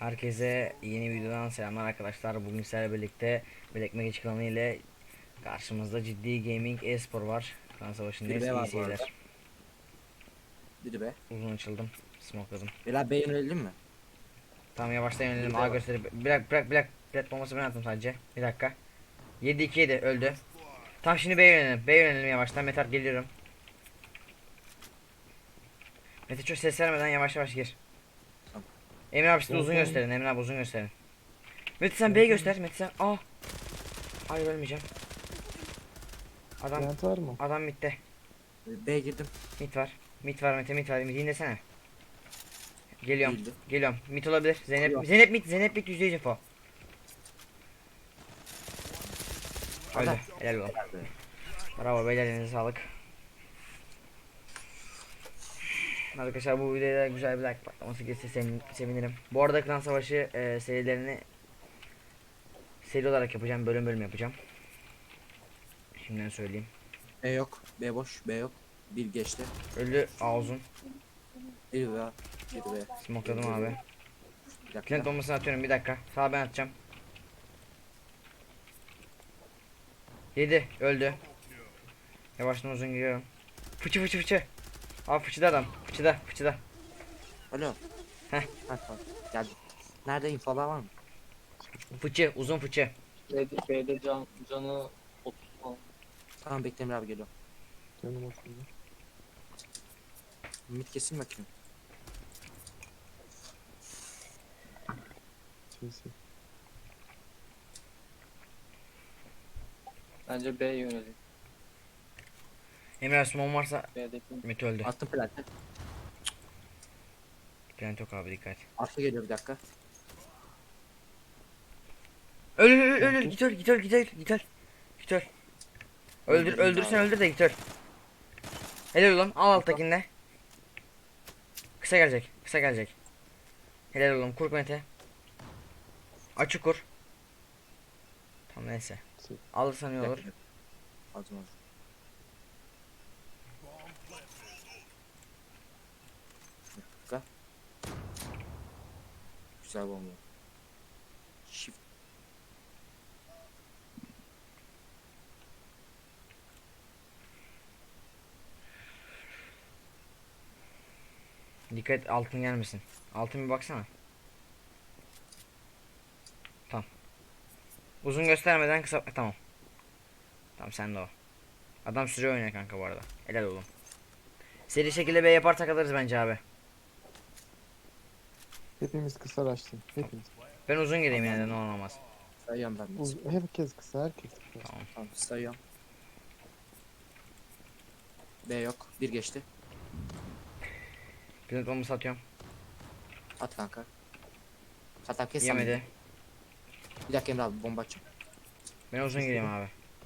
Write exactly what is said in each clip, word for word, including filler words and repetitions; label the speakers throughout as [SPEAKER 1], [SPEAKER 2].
[SPEAKER 1] Herkese yeni videodan selamlar arkadaşlar. Bugün sizlerle birlikte Black Magic klanı ile karşımızda ciddi gaming e-spor var. Klan
[SPEAKER 2] Bir
[SPEAKER 1] savaşındayız.
[SPEAKER 2] B
[SPEAKER 1] İyi
[SPEAKER 2] var bu arada.
[SPEAKER 1] seyirler.
[SPEAKER 2] Bir B.
[SPEAKER 1] Uzun açıldım. Smokeladım.
[SPEAKER 2] Beyler B yönelelim mi?
[SPEAKER 1] Tamam, yavaştan
[SPEAKER 2] Bir
[SPEAKER 1] yönelim. A
[SPEAKER 2] B var.
[SPEAKER 1] gösterip bırak bırak bırak. Plat bombası ben attım sadece. Bir dakika. yedi iki yedi öldü. Tamam, şimdi B'ye yönelim. B'ye yönelim yavaştan. Metar geliyorum. Mete çok ses vermeden yavaş yavaş gir.
[SPEAKER 2] Tamam.
[SPEAKER 1] Emre abi size uzun
[SPEAKER 3] Yok,
[SPEAKER 1] gösterin. Emre abi uzun gösterin. Mete sen B'yi göster. Mete sen. Aa. Hayır, ölmeyeceğim. Adam
[SPEAKER 3] Plant var mı?
[SPEAKER 1] adam midde.
[SPEAKER 2] B girdim.
[SPEAKER 1] Mit var. Mit var Mete, mit var. Mit dinlesene. Geliyorum.
[SPEAKER 2] Değildi.
[SPEAKER 1] Geliyorum. Mit olabilir. Zeynep
[SPEAKER 2] Geliyorum.
[SPEAKER 1] Zeynep mit. Zeynep mit yüzde yüz info. Öldü.
[SPEAKER 2] Adam.
[SPEAKER 1] Helal olsun.
[SPEAKER 2] Helal be.
[SPEAKER 1] Bravo beyler, elinize sağlık. Arkadaşlar bu videoda güzel bir like patlaması gelirse sevin- sevinirim. Bu arada Klan Savaşı e, serilerini seri olarak yapacağım. Bölüm bölüm yapacağım. Şimdiden söyleyeyim.
[SPEAKER 2] B yok. B boş. B yok. Bir geçti.
[SPEAKER 1] Öldü A uzun.
[SPEAKER 2] Bir B. Bir B.
[SPEAKER 1] Smokeladım abi.
[SPEAKER 2] Bir dakika.
[SPEAKER 1] Plant bombasını atıyorum, bir dakika. Sağ ben atacağım. yedi öldü. Yavaştan uzun giriyorum. Fıçı fıçı fıçı. Abi fıçıda adam. Fıçıda fıçıda.
[SPEAKER 2] Alo.
[SPEAKER 1] Heh.
[SPEAKER 2] Ha, tamam. Geldim. Nerede infolar var mı?
[SPEAKER 1] Fıçı uzun fıçı.
[SPEAKER 4] B'de, B'de can, canı otuz falan.
[SPEAKER 2] Tamam, bekle Emre abi geliyor.
[SPEAKER 3] Canım oturdu.
[SPEAKER 2] Mid kesin bakayım.
[SPEAKER 3] Sesi.
[SPEAKER 4] Bence B yönelik.
[SPEAKER 1] Emre Osman varsa
[SPEAKER 4] B'deki
[SPEAKER 1] Mete öldü.
[SPEAKER 2] Attım plante.
[SPEAKER 1] Plant yok abi, dikkat.
[SPEAKER 2] Arka geliyor bir dakika.
[SPEAKER 1] Öl öl öl öl, git öl git öl git öl git öl. Git öl. Öldür
[SPEAKER 2] Öldürdüm
[SPEAKER 1] öldürsen
[SPEAKER 2] abi.
[SPEAKER 1] öldür de git öl. Helal ulan, al alttakinde. Kısa gelecek, kısa gelecek. Helal oğlum, kur Mete. Açık kur. Tamam neyse. Alırsan iyi olur.
[SPEAKER 2] Bekle. Aldım aldım. Bir dakika. Güzel bomba. Shift.
[SPEAKER 1] Dikkat et, altın gelmesin. Altın bir baksana. Tamam. Uzun göstermeden kısa, tamam. Tamam, sen de o. Adam süre oynuyor kanka bu arada. Helal oğlum. Seri şekilde B yaparsak alırız bence abi.
[SPEAKER 3] Hepimiz kısa açtın. Hepimiz.
[SPEAKER 1] Ben uzun gireyim yine de, ne olur olmaz.
[SPEAKER 2] Sayıyorum ben.
[SPEAKER 3] Uz herkes kısa, herkes kısa.
[SPEAKER 1] Tamam.
[SPEAKER 2] Tamam, sayıyorum. B yok. Bir geçti.
[SPEAKER 1] Plant bombası atıyorum.
[SPEAKER 2] At kanka. Hatta kes sen.
[SPEAKER 1] Yemedi.
[SPEAKER 2] Bir dakika Emre abi, bomba açacağım.
[SPEAKER 1] Ben uzun gireyim abi.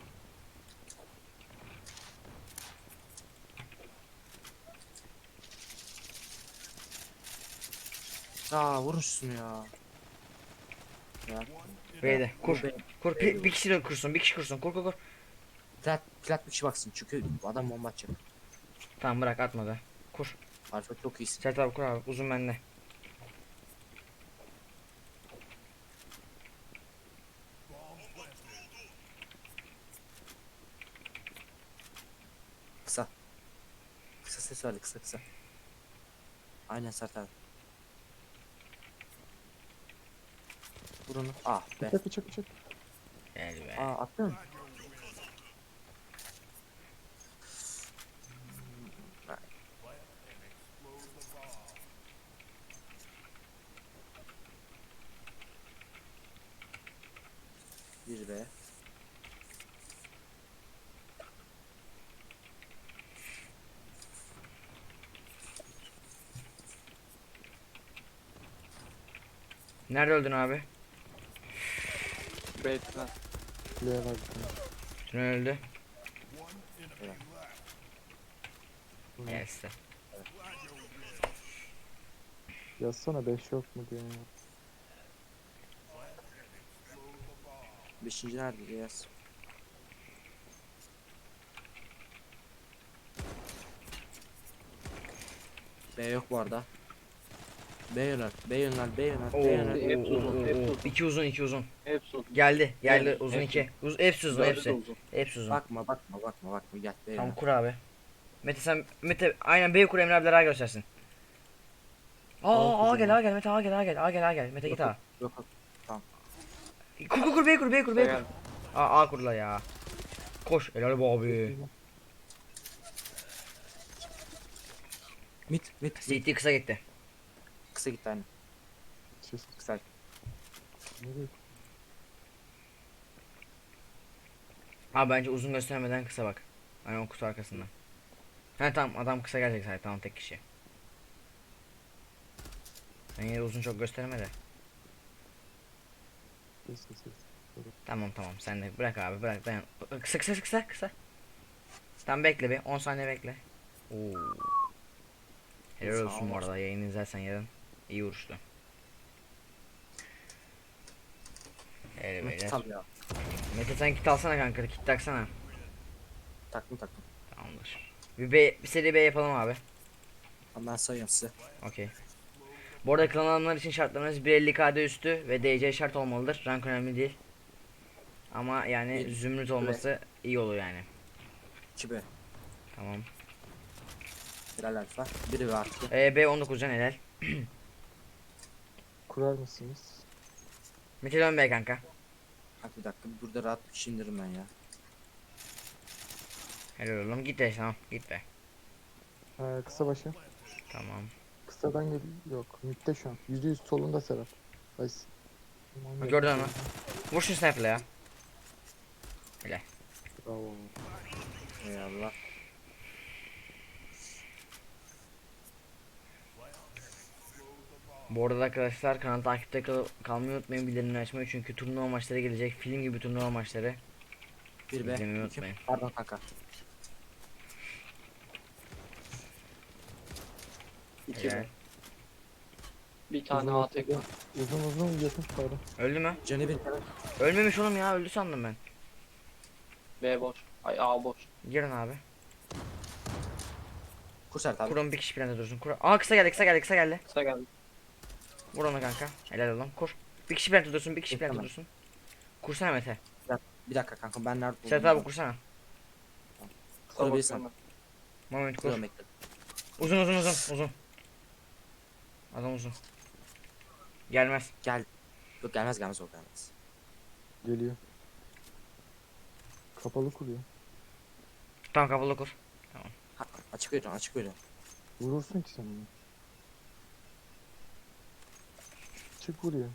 [SPEAKER 2] Aa, vurun şunu ya. Ya.
[SPEAKER 1] B'de kur.
[SPEAKER 2] B.
[SPEAKER 1] Kur bir, bir kişi de kursun. Bir kişi kursun. Kur kur kur.
[SPEAKER 2] Plat, plat bir kişi baksın çünkü bu adam bomba atacak.
[SPEAKER 1] Tamam, bırak atmadı. Kur.
[SPEAKER 2] Alfa çok iyisin.
[SPEAKER 1] Sert abi kur abi. Uzun bende.
[SPEAKER 2] Kısa. Kısa ses verdi, kısa kısa. Aynen Sert abi. Vur onu. Ah be.
[SPEAKER 3] Bıçak bıçak bıçak.
[SPEAKER 1] Gel be.
[SPEAKER 2] Aa, attın. Bir be.
[SPEAKER 1] Nerede öldün abi?
[SPEAKER 4] B'den.
[SPEAKER 3] Kuleye var bir tane.
[SPEAKER 1] Tünel öldü.
[SPEAKER 2] Evet.
[SPEAKER 3] Hı.
[SPEAKER 1] Gel size.
[SPEAKER 3] Yazsana beş yok mu diye.
[SPEAKER 2] Beşinci nerede diye yaz. B yok bu arada. B yönel. B yönel. B yönel.
[SPEAKER 1] Oo,
[SPEAKER 2] B
[SPEAKER 1] oo,
[SPEAKER 2] yönel.
[SPEAKER 4] Hep
[SPEAKER 1] oo,
[SPEAKER 4] uzun,
[SPEAKER 1] oo,
[SPEAKER 4] hep
[SPEAKER 1] oo.
[SPEAKER 4] uzun.
[SPEAKER 1] İki uzun, iki uzun.
[SPEAKER 4] Hepsi uzun.
[SPEAKER 1] Geldi, geldi
[SPEAKER 4] Evet,
[SPEAKER 1] uzun
[SPEAKER 4] hepsi.
[SPEAKER 1] iki. Uz, hepsi uzun,
[SPEAKER 4] Dördü de
[SPEAKER 1] hepsi.
[SPEAKER 4] uzun.
[SPEAKER 1] Hepsi uzun.
[SPEAKER 2] Bakma bakma bakma bakma gel B
[SPEAKER 1] Tamam
[SPEAKER 2] yönel.
[SPEAKER 1] kur abi. Mete sen Mete aynen B kur, Emre abiler A göstersin. Aa,
[SPEAKER 3] Aa,
[SPEAKER 1] A gel,
[SPEAKER 3] kuzum.
[SPEAKER 1] A gel, Mete A gel, A gel, A gel, A gel. Mete
[SPEAKER 2] Yok
[SPEAKER 1] git
[SPEAKER 2] yok
[SPEAKER 1] A.
[SPEAKER 2] yok. yok. Tamam.
[SPEAKER 1] Kur kur kur B kur, B kur, B
[SPEAKER 4] Kısa
[SPEAKER 1] kur.
[SPEAKER 4] geldi.
[SPEAKER 1] A, A kurla ya. Koş helal be abi.
[SPEAKER 2] Mid mid. mid.
[SPEAKER 1] C T kısa gitti.
[SPEAKER 2] Kısa gitti aynı.
[SPEAKER 3] Siz
[SPEAKER 2] Kısa.
[SPEAKER 3] nereye?
[SPEAKER 1] Abi bence uzun göstermeden kısa bak. Hani o kutu arkasından. He tamam, adam kısa gelecek zaten, tamam, tek kişi. Sen yine uzun çok gösterme de.
[SPEAKER 3] Siz siz siz.
[SPEAKER 1] Tamam tamam, sen de bırak abi, bırak, dayan. Kısa kısa kısa kısa. Tamam bekle bir on saniye bekle. Oo. Helal
[SPEAKER 2] Sağ
[SPEAKER 1] olsun bu
[SPEAKER 2] ol.
[SPEAKER 1] arada, yayını izlersen yarın. İyi vuruştu. Evet
[SPEAKER 2] Mid
[SPEAKER 1] beyler.
[SPEAKER 2] tam ya.
[SPEAKER 1] Mete sen kit alsana kanka, kit taksana.
[SPEAKER 2] Taktım taktım.
[SPEAKER 1] Tamamdır. Bir, B, bir seri B yapalım abi.
[SPEAKER 2] Tamam ben sayıyorum size.
[SPEAKER 1] Okey. Bu arada klan alanlar için şartlarımız bir elli K D üstü ve D C şart olmalıdır. Rank önemli değil. Ama yani
[SPEAKER 2] Bir-
[SPEAKER 1] zümrüt olması iyi olur yani.
[SPEAKER 2] iki B.
[SPEAKER 1] Tamam.
[SPEAKER 2] Birer alfa. Biri ve artı.
[SPEAKER 1] E, B on dokuz can helal.
[SPEAKER 3] Kurar mısınız?
[SPEAKER 1] Mete dön B kanka.
[SPEAKER 2] Bak bir dakika burada rahat bir şey indiririm ben ya.
[SPEAKER 1] Helal oğlum, git de tamam, git be.
[SPEAKER 3] Ee, kısa başı.
[SPEAKER 1] Tamam.
[SPEAKER 3] Kısadan gel. Yok. Mid'de şu an. Yüzde yüz solunda Serap. Nice. Tamam,
[SPEAKER 1] Gördün
[SPEAKER 3] yakın
[SPEAKER 1] mı?
[SPEAKER 3] solunda.
[SPEAKER 1] Vur şu sniper'la ya. Helal.
[SPEAKER 3] Bravo.
[SPEAKER 2] Eyvallah.
[SPEAKER 1] Bu arada arkadaşlar, kanalı takipte kal kalmayı unutmayın, bildirimleri açmayı, çünkü turnuva maçları gelecek, film gibi turnuva maçları.
[SPEAKER 2] Bir B.
[SPEAKER 1] İzlemeyi
[SPEAKER 2] iki.
[SPEAKER 1] unutmayın.
[SPEAKER 2] Pardon kanka.
[SPEAKER 4] İki
[SPEAKER 1] Helal.
[SPEAKER 4] mi? Bir tane
[SPEAKER 3] Uzun
[SPEAKER 4] A tek var.
[SPEAKER 3] Uzun uzun yakın pardon.
[SPEAKER 1] Öldü mü?
[SPEAKER 2] Canı bir.
[SPEAKER 1] Ölmemiş oğlum ya, öldü sandım ben.
[SPEAKER 4] B boş. Ay A boş.
[SPEAKER 1] Girin abi.
[SPEAKER 2] Kursert abi.
[SPEAKER 1] Kur'un bir kişi planda dursun. Kur. Aa, kısa geldi, kısa geldi, kısa geldi.
[SPEAKER 4] Kısa geldi.
[SPEAKER 1] Vur onu kanka. Helal oğlum, kur. Bir kişi planda dursun, bir kişi planda
[SPEAKER 2] Tamam.
[SPEAKER 1] dursun. Kursana Mete.
[SPEAKER 2] Bir dakika kanka ben nerede
[SPEAKER 1] Serhat abi kursana.
[SPEAKER 4] Kısa
[SPEAKER 2] Kurabilirsen.
[SPEAKER 4] bakıyorum
[SPEAKER 1] Moment kur.
[SPEAKER 2] Kuruyorum bekle.
[SPEAKER 1] Uzun uzun uzun uzun. Adam uzun. Gelmez.
[SPEAKER 2] Gel. Yok gelmez gelmez o gelmez.
[SPEAKER 3] Geliyor. Kapalı kuruyor.
[SPEAKER 1] Tamam, kapalı kur.
[SPEAKER 2] Ha, açık veriyorum açık veriyorum.
[SPEAKER 3] Vurursun ki sen bunu. Çık vuruyor.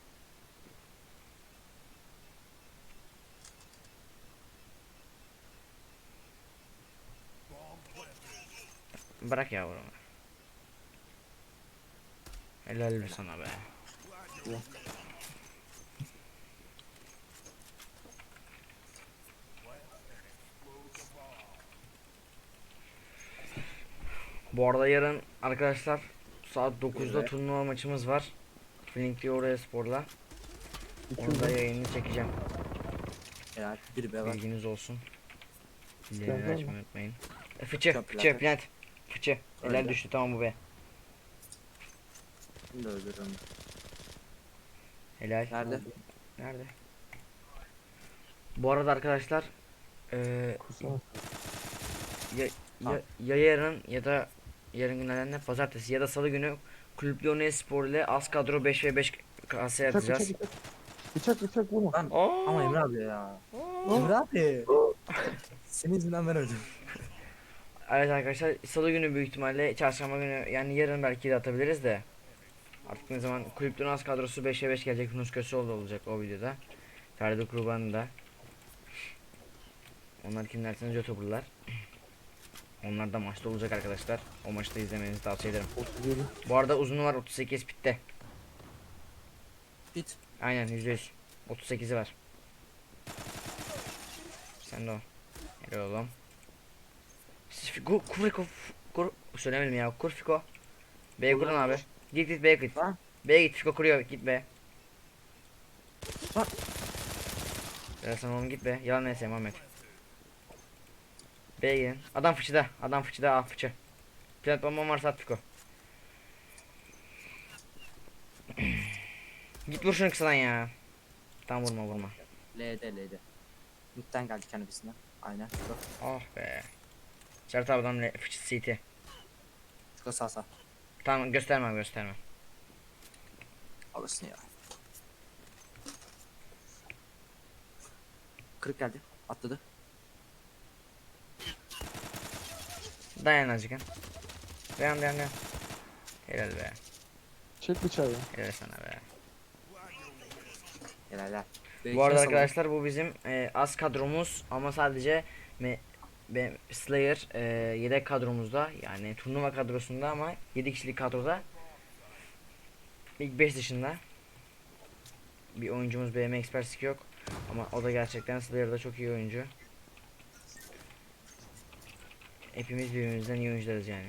[SPEAKER 1] Bırak ya bunu. Helal be sana be.
[SPEAKER 3] Ya.
[SPEAKER 1] Bu arada yarın arkadaşlar saat dokuzda
[SPEAKER 2] Evet.
[SPEAKER 1] turnuva maçımız var. Linkli oraya sporla.
[SPEAKER 3] İki
[SPEAKER 1] Onu da
[SPEAKER 3] uzun.
[SPEAKER 1] yayını çekeceğim.
[SPEAKER 2] Eğer bir B var.
[SPEAKER 1] Bilginiz olsun.
[SPEAKER 3] Plant
[SPEAKER 1] Bildirimleri
[SPEAKER 3] var
[SPEAKER 1] açmayı
[SPEAKER 3] mı?
[SPEAKER 1] unutmayın. E, fıçı,
[SPEAKER 2] Çok
[SPEAKER 1] fıçı,
[SPEAKER 2] plant.
[SPEAKER 1] plant. Fıçı. Helal
[SPEAKER 2] Öyle.
[SPEAKER 1] düştü, tamam bu be.
[SPEAKER 2] Bunu da öldürürüm.
[SPEAKER 1] Helal.
[SPEAKER 2] Nerede?
[SPEAKER 1] Nerede? Bu arada arkadaşlar eee
[SPEAKER 3] Kursana.
[SPEAKER 1] ya, ya,
[SPEAKER 2] Tamam.
[SPEAKER 1] ya yarın ya da yarın günlerden ne, pazartesi ya da salı günü Kulüp Lyonnais Spor ile az kadro beş ve beş kasaya
[SPEAKER 3] Bıçak bıçak
[SPEAKER 1] atacağız.
[SPEAKER 3] bıçak. Bıçak bıçak vurma.
[SPEAKER 2] Ben
[SPEAKER 1] Aa!
[SPEAKER 2] ama Emre abi ya.
[SPEAKER 1] Aa!
[SPEAKER 2] Emre abi. Senin yüzünden ben öldüm.
[SPEAKER 1] Evet arkadaşlar, salı günü büyük ihtimalle, çarşamba günü yani yarın belki de atabiliriz de. Artık ne zaman Kulüp Lyonnais kadrosu beşe beş gelecek, Yunus Köseoğlu olacak o videoda. Ferdi Kurban da. Onlar kim derseniz YouTuber'lar. Onlar da maçta olacak arkadaşlar. O maçta izlemenizi tavsiye ederim.
[SPEAKER 3] otuz yedi.
[SPEAKER 1] Bu arada uzunu var, otuz sekiz pitte.
[SPEAKER 2] Bit.
[SPEAKER 1] Aynen yüzde yüz. otuz sekizi var. Sen de o. Helal oğlum. Kur, kur, kur, söylemedim ya. Kur Fiko. B'ye kurun abi. Git git B'ye git.
[SPEAKER 2] Lan.
[SPEAKER 1] B'ye git, Fiko kuruyor, git B.
[SPEAKER 2] Lan.
[SPEAKER 1] Helal sana oğlum, git be. Yalan neyse Muhammed. B'ye gidin. Adam fıçıda. Adam fıçıda, ah fıçı. Plant bombam varsa at Fiko. Git vur şunu kısadan ya. Tam vurma vurma.
[SPEAKER 2] L'de L'de. Mid'den geldi kendisine. Aynen. Şurada.
[SPEAKER 1] Oh be. Sert abi adam fıçı C T.
[SPEAKER 2] Şurada sağ sağ.
[SPEAKER 1] Tamam gösterme gösterme.
[SPEAKER 2] Alırsın ya. Kırık geldi. Atladı.
[SPEAKER 1] Dayan azıcık. Dayan dayan dayan. Helal be.
[SPEAKER 3] Çek bıçağı ya.
[SPEAKER 1] Helal sana be.
[SPEAKER 2] Helaller.
[SPEAKER 1] Bu arada arkadaşlar bu bizim e, az kadromuz ama sadece me, be, Slayer e, yedek kadromuzda yani turnuva kadrosunda ama yedi kişilik kadroda ilk beş dışında bir oyuncumuz B M Expert'lik yok ama o da gerçekten Slayer'da çok iyi oyuncu. Hepimiz birbirimizden iyi oyuncularız yani.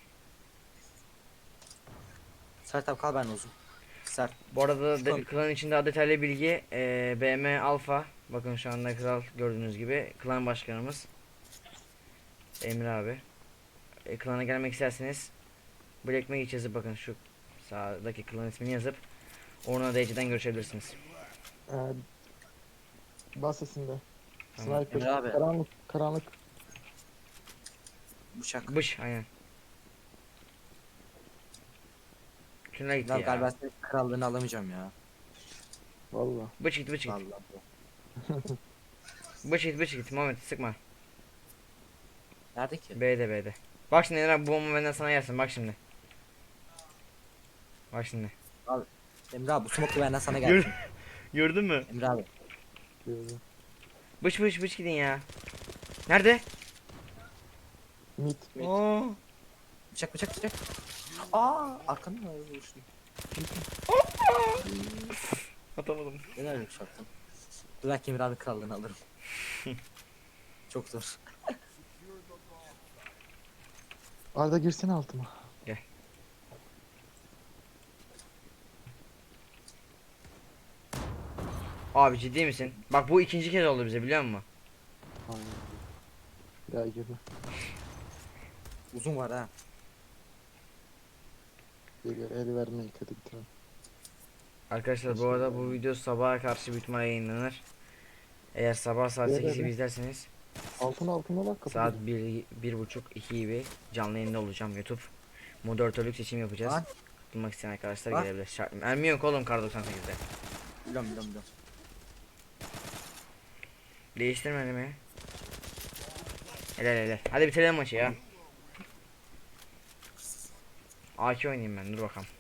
[SPEAKER 2] Sert abi kal ben uzun. Sert.
[SPEAKER 1] Bu arada de,
[SPEAKER 2] Tamam.
[SPEAKER 1] klan içinde daha detaylı bilgi e, B M Alpha. Bakın şu anda kral gördüğünüz gibi klan başkanımız Emre abi. E, klana gelmek isterseniz Black Mage yazıp bakın şu sağdaki klan ismini yazıp Orna D C'den görüşebilirsiniz.
[SPEAKER 3] Ee, bas sesinde.
[SPEAKER 1] Tamam.
[SPEAKER 3] Sniper.
[SPEAKER 2] Emre abi.
[SPEAKER 3] Karanlık. Karanlık.
[SPEAKER 2] Bıçak.
[SPEAKER 1] Bış aynen. Tünel gitti
[SPEAKER 2] Ya
[SPEAKER 1] ya.
[SPEAKER 2] galiba senin krallığını alamayacağım ya.
[SPEAKER 3] Valla.
[SPEAKER 1] Bıç gitti bıç gitti.
[SPEAKER 2] Vallahi.
[SPEAKER 1] Bıç gitti bıç gitti. Muhammed sıkma.
[SPEAKER 2] Nerede ki?
[SPEAKER 1] B'de B'de. Bak şimdi Emre abi, bu bomba benden sana gelsin bak şimdi. Bak şimdi.
[SPEAKER 2] Emre abi bu smoke benden sana
[SPEAKER 1] Gör-
[SPEAKER 2] gelsin.
[SPEAKER 1] Gördün mü?
[SPEAKER 2] Emre abi.
[SPEAKER 3] Gördüm.
[SPEAKER 1] Bıç bıç bıç gidin ya. Nerede?
[SPEAKER 3] Mid.
[SPEAKER 4] Mid.
[SPEAKER 1] Oo.
[SPEAKER 2] Bıçak bıçak bıçak. Aa arkanı mı vuruştun?
[SPEAKER 1] Atamadım.
[SPEAKER 2] Neden öyle bir şey yaptın? Belki Emre abi krallığını alırım. Çok zor.
[SPEAKER 3] Arda girsene altıma.
[SPEAKER 1] Abi ciddi misin? Bak bu ikinci kez oldu bize biliyor musun?
[SPEAKER 3] Aynen. Bir daha girme.
[SPEAKER 2] Uzun var ha.
[SPEAKER 3] Geliyor. El vermeyi hadi bitirelim.
[SPEAKER 1] Arkadaşlar bu arada bu video sabaha karşı büyük ihtimalle yayınlanır. Eğer sabah saat
[SPEAKER 3] Evet,
[SPEAKER 1] sekiz gibi
[SPEAKER 3] evet.
[SPEAKER 1] izlerseniz
[SPEAKER 3] Altına altına bak kapı.
[SPEAKER 1] saat bir, bir buçuk iki gibi canlı yayında olacağım YouTube. Moderatörlük seçim yapacağız.
[SPEAKER 2] Lan.
[SPEAKER 1] Katılmak isteyen arkadaşlar
[SPEAKER 2] Lan.
[SPEAKER 1] gelebilir. Şart, mermi yok oğlum kar doksan sekizde.
[SPEAKER 2] Biliyorum biliyorum biliyorum.
[SPEAKER 1] Değiştirmedi mi? Helal helal. Hadi bitirelim maçı ya. A K oynayayım ben dur bakalım.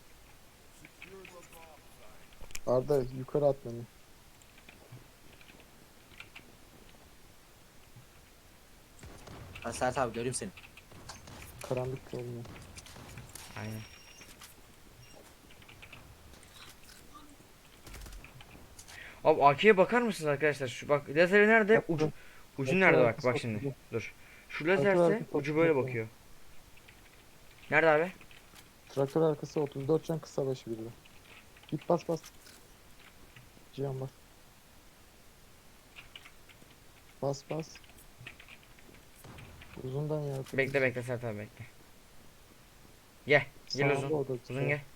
[SPEAKER 3] Arda yukarı at beni.
[SPEAKER 2] Hadi Sert abi göreyim seni.
[SPEAKER 3] Karanlık olmuyor.
[SPEAKER 1] Aynen. Abi A K'ye bakar mısınız arkadaşlar? Şu bak lazeri nerede?
[SPEAKER 3] Bak,
[SPEAKER 1] Ucu
[SPEAKER 3] bak.
[SPEAKER 1] ucu
[SPEAKER 3] Bak,
[SPEAKER 1] nerede
[SPEAKER 3] bak,
[SPEAKER 1] bak bak
[SPEAKER 3] bak,
[SPEAKER 1] şimdi.
[SPEAKER 3] bak.
[SPEAKER 1] Dur. Şu
[SPEAKER 3] Bak,
[SPEAKER 1] lazerse
[SPEAKER 3] bak, bak,
[SPEAKER 1] ucu böyle
[SPEAKER 3] bak.
[SPEAKER 1] bakıyor. Nerede abi?
[SPEAKER 3] Traktör arkası otuz dört can kısa başı birde. Git bas bas. Cihan bas. Bas bas. Uzundan ya.
[SPEAKER 1] Bekle bekle Sert abi bekle. Gel. Gel
[SPEAKER 3] Sağında
[SPEAKER 1] uzun.
[SPEAKER 3] o da
[SPEAKER 1] Uzun gel.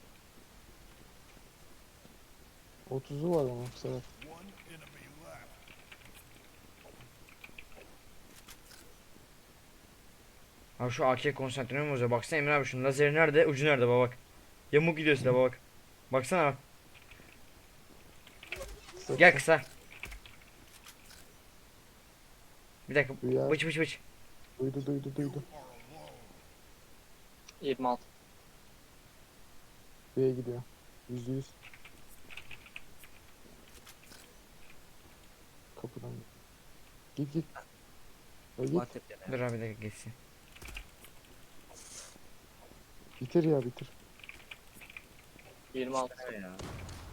[SPEAKER 3] otuzu var ama bu sefer.
[SPEAKER 1] Abi şu A K'ye konsantre mi bozuyor? Baksana Emre abi şunun lazeri nerede? Ucu nerede baba bak. Yamuk gidiyor silah baba bak. Baksana bak.
[SPEAKER 3] Kısa
[SPEAKER 1] Gel
[SPEAKER 3] kısa.
[SPEAKER 1] kısa. Bir dakika.
[SPEAKER 3] Duyar.
[SPEAKER 1] Bıç bıç bıç.
[SPEAKER 3] Duydu duydu duydu.
[SPEAKER 4] yirmi altı.
[SPEAKER 3] B'ye gidiyor. Yüzde yüz. Kapıdan. Git git. Ya git.
[SPEAKER 2] Bak tepkine.
[SPEAKER 1] Dur abi bir dakika geçsin.
[SPEAKER 3] Bitir ya bitir.
[SPEAKER 4] yirmi altı.
[SPEAKER 2] Ne ya?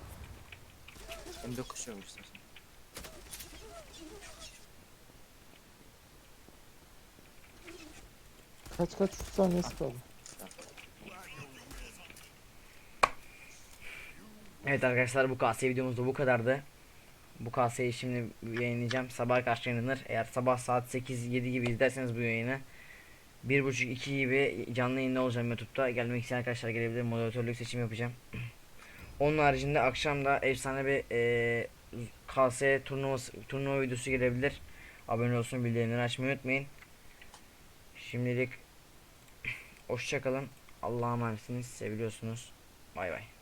[SPEAKER 2] M dokuz şey istersen.
[SPEAKER 3] Kaç kaç üç saniyesi kaldı.
[SPEAKER 1] Evet arkadaşlar bu K S videomuz da bu kadardı. Bu K S'yi şimdi yayınlayacağım. Sabah karşı yayınlanır. Eğer sabah saat sekiz yedi gibi izlerseniz bu yayını bir buçuk iki gibi canlı yayında olacağım YouTube'da. Gelmek isteyen arkadaşlar gelebilir. Moderatörlük seçim yapacağım. Onun haricinde akşam da efsane bir e, K S turnuvası turnuva videosu gelebilir. Abone olsun, bildirimleri açmayı unutmayın. Şimdilik hoşça kalın. Allah'a emanetsiniz. Seviliyorsunuz. Bay bay.